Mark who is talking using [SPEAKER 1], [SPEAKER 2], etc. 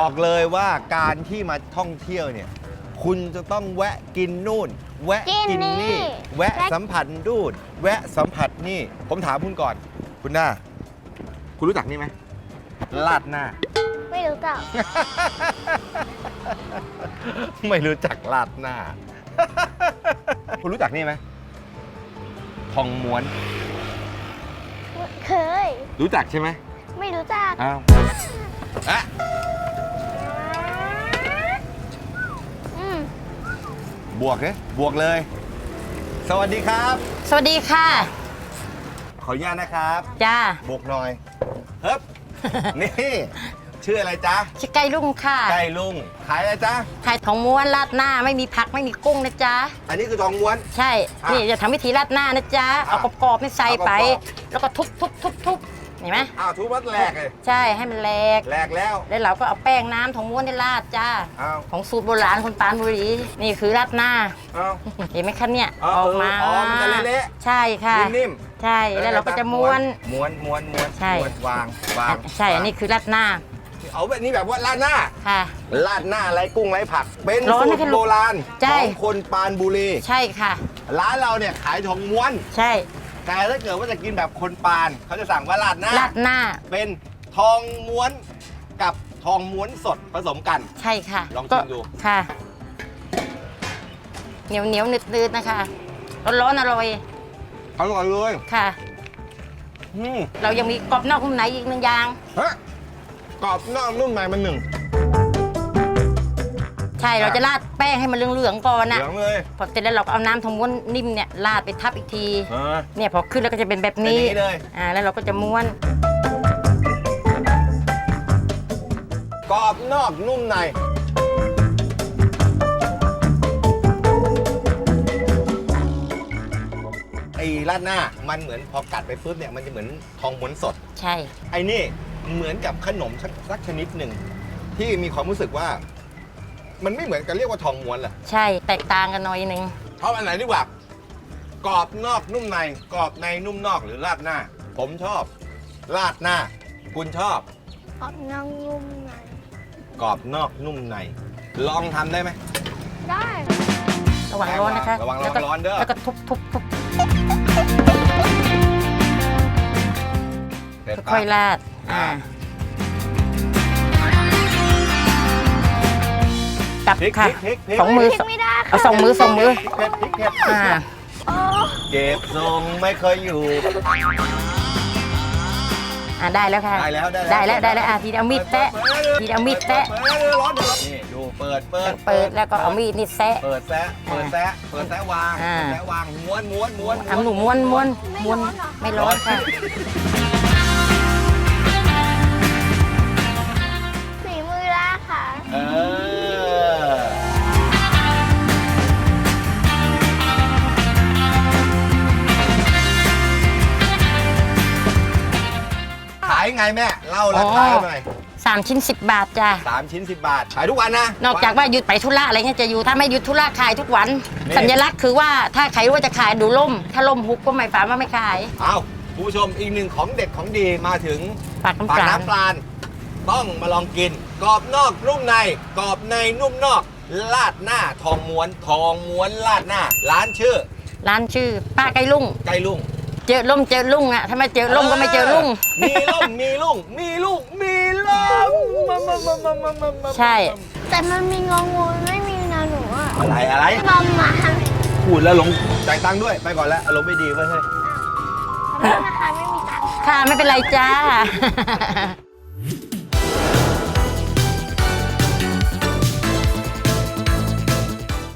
[SPEAKER 1] บอกเลยว่าการที่มาท่องเที่ยวเนี่ยคุณจะต้องแวะกินนู่น แวะกินนี่ แวะสัมผัสนู่นแวะสัมผัสนี่ผมถามคุณก่อนคุณหน้าคุณรู้จักนี่ไหมลาดหน้า
[SPEAKER 2] ไม่รู้จัก
[SPEAKER 1] ไม่รู้จักลาดหน้า คุณรู้จักนี่ไหมทองม้วน
[SPEAKER 2] เคย
[SPEAKER 1] รู้จักใช่ไหม
[SPEAKER 2] ไม่รู้จัก
[SPEAKER 1] อ้าวอะ
[SPEAKER 2] อืม
[SPEAKER 1] บวกเนี่ยบวกเลย สวัสดีครับ
[SPEAKER 3] สวัสดีค่ะ
[SPEAKER 1] ขออนุญาตนะครับ
[SPEAKER 3] จ้า
[SPEAKER 1] บวกหน่อยเฮ้บ นี่ ชื่ออะไรจ๊ะ
[SPEAKER 3] ชื่อไก่ลุงค่ะ
[SPEAKER 1] ไก่ลุงขายอะไรจ๊ะ
[SPEAKER 3] ไข่ของม้วนราดหน้าไม่มีผักไม่มีกุ้งนะจ๊ะ
[SPEAKER 1] อันนี้คือทองม้วน
[SPEAKER 3] ใช่
[SPEAKER 1] อ่ะ
[SPEAKER 3] นี่จะทำวิธีราดหน้านะจ๊ะ เอากรอบๆนี่ใส่ไป
[SPEAKER 1] เอากรอบ
[SPEAKER 3] แล้วก็ทุบเห็นไหม
[SPEAKER 1] อ้าวทุบวัดแหลกเลย
[SPEAKER 3] ใช่ให้มันแหลก
[SPEAKER 1] แหลกแล้ว
[SPEAKER 3] แล้วเราก็เอาแป้งน้ำของม้วนได้ราดจ้า
[SPEAKER 1] อ้าว
[SPEAKER 3] ของสูตรโบราณคนปรานบุรีนี่คือราดหน้า
[SPEAKER 1] อ้าว
[SPEAKER 3] เห็นไหมคะเนี่ย
[SPEAKER 1] อ๋อ
[SPEAKER 3] ออกมา
[SPEAKER 1] อ๋อมันจะเละ
[SPEAKER 3] ใช่ค่ะ
[SPEAKER 1] นิ่ม
[SPEAKER 3] ใช่แล้วเราก็จะม้วน
[SPEAKER 1] ม้วนม้วนม้วน
[SPEAKER 3] ใช่
[SPEAKER 1] ม้วนวางวาง
[SPEAKER 3] ใช่อันนี้คือราดหน้า
[SPEAKER 1] เอาแบบนี้แบบว่าราดหน้า
[SPEAKER 3] ค่ะ
[SPEAKER 1] ราดหน้าไรกุ้งไรผัก เป็น
[SPEAKER 3] ร้อน
[SPEAKER 1] สู
[SPEAKER 3] ไหม
[SPEAKER 1] ตร
[SPEAKER 3] คะลูก
[SPEAKER 1] โบราณ
[SPEAKER 3] ใช่
[SPEAKER 1] ของคนปรานบุรี
[SPEAKER 3] ใช่ค่ะ
[SPEAKER 1] ร้านเราเนี่ยขายทองม้วน
[SPEAKER 3] ใช่
[SPEAKER 1] แต่ถ้าเกิดว่าจะกินแบบคนปานเขาจะสั่งว่าราดหน้า
[SPEAKER 3] ราดหน้า
[SPEAKER 1] เป็นทองม้วนกับทองม้วนสดผสมกัน
[SPEAKER 3] ใช่ค่ะ
[SPEAKER 1] ลองชิมดู
[SPEAKER 3] ค่ะ เหนียวนืดๆนะคะร้อนๆอร่อย
[SPEAKER 1] อร่อยเลย
[SPEAKER 3] ค่ะ
[SPEAKER 1] อืม
[SPEAKER 3] เรายังมีกรอบนอกนุ่มในอีกหนึ่งอย่าง
[SPEAKER 1] ฮะกรอบนอกนุ่มในมันหนึ่ง
[SPEAKER 3] ใช่เราจะราดแป้งให้มันเหลืองๆก่อน
[SPEAKER 1] เห
[SPEAKER 3] นะ
[SPEAKER 1] ลืองเลย
[SPEAKER 3] พอเสร็จแล้วเราก็เอาน้ำทองม้วนนิ่มเนี่ยราดไปทับอีกที
[SPEAKER 1] เออ
[SPEAKER 3] เนี่ยพอขึ้นแล้วก็จะเป็นแบบ
[SPEAKER 1] เป็น
[SPEAKER 3] นี้
[SPEAKER 1] อย่างนี้เลย
[SPEAKER 3] แล้วเราก็จะม้วน
[SPEAKER 1] กรอบนอกนุ่มในไอ้ราดหน้ามันเหมือนพอกัดไปปุ๊บเนี่ยมันจะเหมือนทองม้วนสด
[SPEAKER 3] ใช่
[SPEAKER 1] ไอ้นี่เหมือนกับขนมสักชนิดหนึ่งที่มีความรู้สึกว่า มันไม่เหมือนกันเรียกว่าทองม้วนแหละ
[SPEAKER 3] ใช่แตกต่างกันหน่อยหนึง
[SPEAKER 1] ชอบอันไหนดีกว่ากรอบนอกนุ่มในกรอบในนุ่มนอกหรือราดหน้า ผมชอบราดหน้า คุณชอบ
[SPEAKER 2] ขอบนางงุมไหน
[SPEAKER 1] กรอบนอกนุ่มในลองทำได้ไหม
[SPEAKER 2] ได้
[SPEAKER 3] ระวังร้อนนะคะ
[SPEAKER 1] ระวัง
[SPEAKER 3] แล้วก็
[SPEAKER 1] ร้อนเด้อ
[SPEAKER 3] แล้วก็ทุบ
[SPEAKER 1] เสร็จ
[SPEAKER 3] ค่อยๆราด
[SPEAKER 1] อ่า
[SPEAKER 3] กลับ
[SPEAKER 1] พริก
[SPEAKER 3] ค่ะ
[SPEAKER 1] พริกพริก
[SPEAKER 3] สองมือ
[SPEAKER 2] พริกไม่ได้ค่ะ
[SPEAKER 3] เอาสองมือ
[SPEAKER 1] พริกเผ็ดพริกเผ็ด
[SPEAKER 2] โอ้
[SPEAKER 1] เก็บทรงไม่เคยอยู่
[SPEAKER 3] ได้แล้วค่ะ
[SPEAKER 1] ได้แล้ว
[SPEAKER 3] ได้แล้วทีเดียวเอามีดแตะทีเดียวเอามีดแตะ
[SPEAKER 1] ร้อนนี่ดูเปิด
[SPEAKER 3] เปิดแล้วก็เอามีดนี่แซะ
[SPEAKER 1] เปิดแซะวาง
[SPEAKER 3] อ่า
[SPEAKER 1] แซะวางม้วนม้วนม้วน
[SPEAKER 3] ทำหนูม้วนไม่ร้อนค่ะ
[SPEAKER 2] ฝีมือละค่ะ
[SPEAKER 1] เออขายไงแม่เล่าราคาหน่อย
[SPEAKER 3] 3 ชิ้น 10 บาทจ้ะ
[SPEAKER 1] 3 ชิ้น 10 บาท ขายทุกวันนะ
[SPEAKER 3] นอกจากว่าหยุดไปธุระอะไรเงี้ยจะอยู่ถ้าไม่หยุดธุระขายทุกวัน
[SPEAKER 1] นี่
[SPEAKER 3] สัญลักษณ์คือว่าถ้าใครรู้ว่าจะขายดูล่ม ถ้าล่มหุบก็หมายความว่าไม่ขาย
[SPEAKER 1] เอาคุณผู้ชมอีกหนึ่งของเด็ดของดีมาถึง
[SPEAKER 3] ปากน้ำ
[SPEAKER 1] ปาก
[SPEAKER 3] ปลา
[SPEAKER 1] น้ำปลาณต้องมาลองกิน กรอบนอกนุ่มในกรอบในนุ่มนอกลาดหน้าทองม้วนลาดหน้า ร้านชื่อ
[SPEAKER 3] ร้านชื่อป้าไก่ลุง
[SPEAKER 1] ไก่ลุง
[SPEAKER 3] เจอล่มเจอลุงอะถ้าไม่เจอล่มก็ไม่เจอลุง
[SPEAKER 1] มีล่มมีลุงมีลุงมีล่มมา
[SPEAKER 3] ใช่
[SPEAKER 2] แต่มันมีงองูไม่มีนาหนูอ่ะ
[SPEAKER 1] อะไร
[SPEAKER 2] ประมาณ
[SPEAKER 1] พูดแล้วหลงจ่ายตังค์ด้วยไปก่อนแล้วอารมณ์ไม่ดีเว้ยเฮ้ย
[SPEAKER 2] ขอโทษนะคะไม่มีตังค์
[SPEAKER 3] ค่ะไม่เป็นไรจ้า